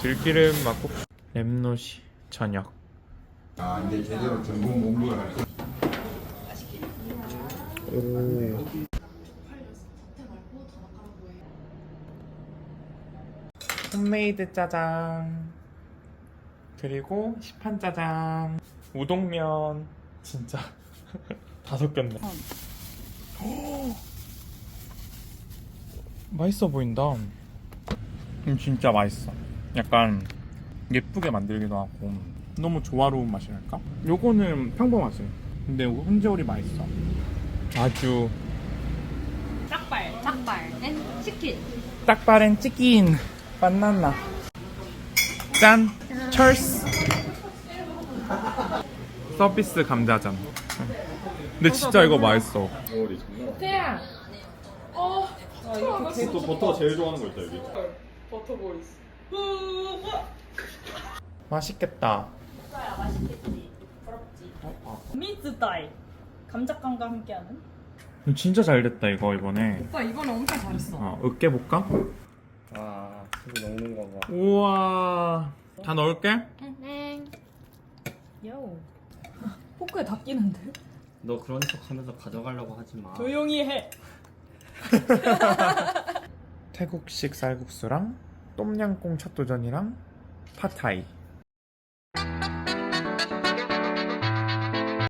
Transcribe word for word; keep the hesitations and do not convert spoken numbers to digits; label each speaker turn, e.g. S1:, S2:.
S1: 들기름 막국 랩노시 저녁.
S2: 아 이제 제대로 전공 공부를 할 거야.
S1: 오. 홈메이드 짜장 그리고 시판 짜장 우동면 진짜 다 섞였네. 맛있어 보인다. 음, 진짜 맛있어. 약간 예쁘게 만들기도 하고 너무 조화로운 맛이랄까? 요거는 평범하지. 근데 요거 훈제오리 맛있어. 아주
S3: 짝발, 짝발, 앤 치킨.
S1: 딱바렌 치킨 바나나 짠! 철스 서비스 감자전. 근데 진짜 이거 맛있어.
S3: 태양. 어.
S4: 또 버터가 제일 좋아하는 거 있다 여기.
S3: 버터 보이스.
S1: 맛있겠다.
S3: 오빠야 맛있겠지. 부럽지. 미즈다이. 감자깡과 함께하는.
S1: 진짜 잘 됐다 이거 이번에.
S3: 오빠 이번에 엄청 잘했어.
S1: 어, 으깨 볼까?
S4: 아 수고 넣는 거 봐.
S1: 우와. 다 넣을게.
S3: 요. 포크에 다 끼는데?
S4: 너 그런 척하면서 가져가려고 하지 마.
S3: 조용히 해.
S1: 태국식 쌀국수랑 똠양꿍 찻도전이랑 팟타이.